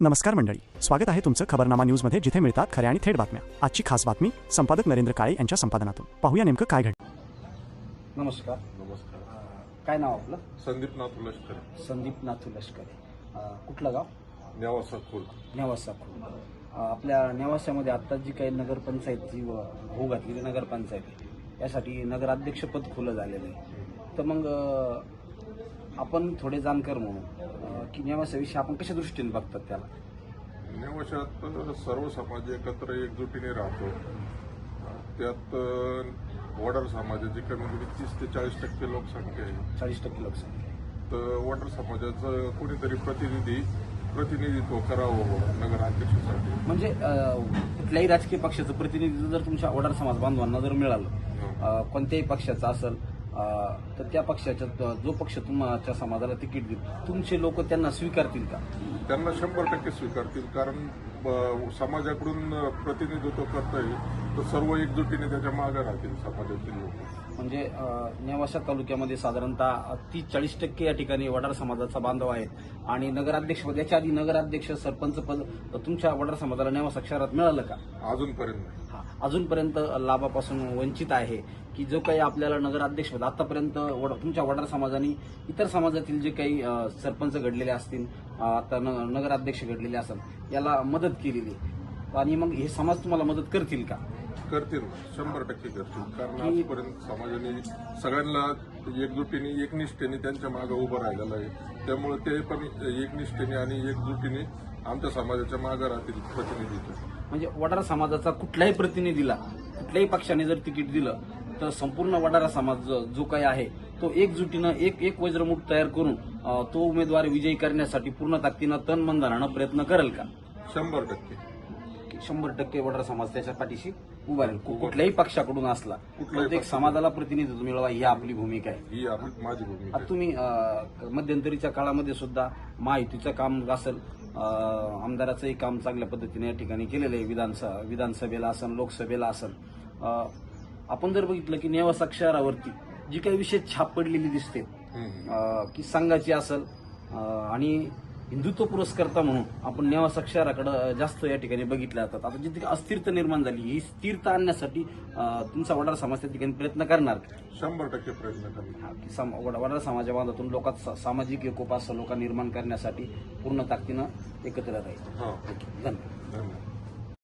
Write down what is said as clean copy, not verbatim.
नमस्कार मंडळी, स्वागत आहे तुमचं खबरनामा न्यूजमध्ये, जिथे मिळतात खऱ्या आणि थेट बातम्या। आजची खास बातमी संपादक नरेंद्र काळे यांच्या संपादनातून। पाहूया नेमकं काय घडलं। नमस्कार। नमस्कार। काय नाव आपलं? संदीप नाथू लष्कर। संदीप नाथू लष्कर। कुठलं गाव? नेवासा खोल। नेवासा खोल। आपल्या नेवासामध्ये आता जी काही नगरपंचायतची होऊ घातलेली नगरपंचायत आहे, यासाठी नगराध्यक्षपद खुलं झालेलं आहे। तर मग आपण थोडे जाणकार म्हणून की नेवासाविषयी आपण कशा दृष्टीने बघतात त्याला? नेवाशात सर्व समाज एकत्र एकजुटीने राहतो। त्यात वडार समाजाची कमीत कमी 30 ते 40% लोकसंख्या आहे। 40% लोकसंख्या। तर वडार समाजाचं कोणीतरी प्रतिनिधित्व करावं नगराध्यक्षासाठी। म्हणजे कुठल्याही राजकीय पक्षाचं प्रतिनिधित्व जर तुमच्या वडार समाज बांधवांना जर मिळालं, कोणत्याही पक्षाचं असेल, तर त्या पक्षाच्या जो पक्ष तुमच्या समाजाला तिकीट देईल, तुमचे लोक त्यांना स्वीकारतील का? त्यांना 100% स्वीकारतील, कारण समाजाकडून प्रतिनिधित्व करता येईल तर सर्व एकजुटीने त्याच्या मागे राहतील समाजातील लोक। म्हणजे नेवासा तालुक्यामध्ये साधारणतः 30-40% या ठिकाणी वडार समाजाचा बांधव आहे आणि नगराध्यक्षपद, याच्या आधी नगराध्यक्ष सरपंच पद तुमच्या वडार समाजाला नेवासा शहरात मिळालं का? अजूनपर्यंत अजूनपर्यंत लाभापासून वंचित आहे की जो काही आपल्याला नगराध्यक्षपद आतापर्यंत तुमच्या वडार समाजाने इतर समाजातील जे काही सरपंच घडलेले असतील, आता नगराध्यक्ष घडलेले असतील, याला मदत केलेली, आणि मग हे समाज तुम्हाला मदत करतील का? करतील, 100% करतील, कारण आजपर्यंत समाजाने सगळ्यांना एकजुटीने एकनिष्ठेने त्यांच्या मागे उभं राहिलेलं आहे। त्यामुळे ते पण एकनिष्ठेने आणि एकजुटीने आमच्या समाजाच्या मागे राहतील प्रतिनिधीचं। म्हणजे वडार समाजाचा कुठल्याही प्रतिनिधीला कुठल्याही पक्षाने जर तिकीट दिलं तर संपूर्ण वडारा समाज जो काही आहे तो एकजुटीनं एक वज्रमुठ तयार करून तो उमेदवार विजयी करण्यासाठी पूर्ण ताकदीनं तन मन धनानं प्रयत्न करेल का? 100%। 100% वडार समाज त्याच्या पाठीशी उभा राहील, कुठल्याही पक्षाकडून असला, प्रत्येक समाजाला प्रतिनिधित्व मिळवा, ही आपली भूमिका आहे, ही माझी भूमिका आहे। तुम्ही मध्यंतरीच्या काळामध्ये सुद्धा महायुतीचं काम असेल, आमदाराचंही काम चांगल्या पद्धतीने या ठिकाणी केलेलं आहे, विधानसभेला असेल, लोकसभेला असेल। आपण जर बघितलं की नेवासा शहरावरती जी काही विशेष छाप पडलेली दिसते की संघाची असेल, आणि हिंदुत्व पुरस्कर्ता म्हणून आपण नेवासा शहराकडे जास्त या ठिकाणी बघितल्या जातात। आता जिथे अस्थिरता निर्माण झाली, ही स्थिरता आणण्यासाठी तुमचा वडार समाज त्या ठिकाणी प्रयत्न करणार? 100% प्रयत्न करणार। वडार समाजा बांधातून लोकात सामाजिक एकोपा सलोखा निर्माण करण्यासाठी पूर्ण ताकदीनं एकत्र राहील। धन्यवाद।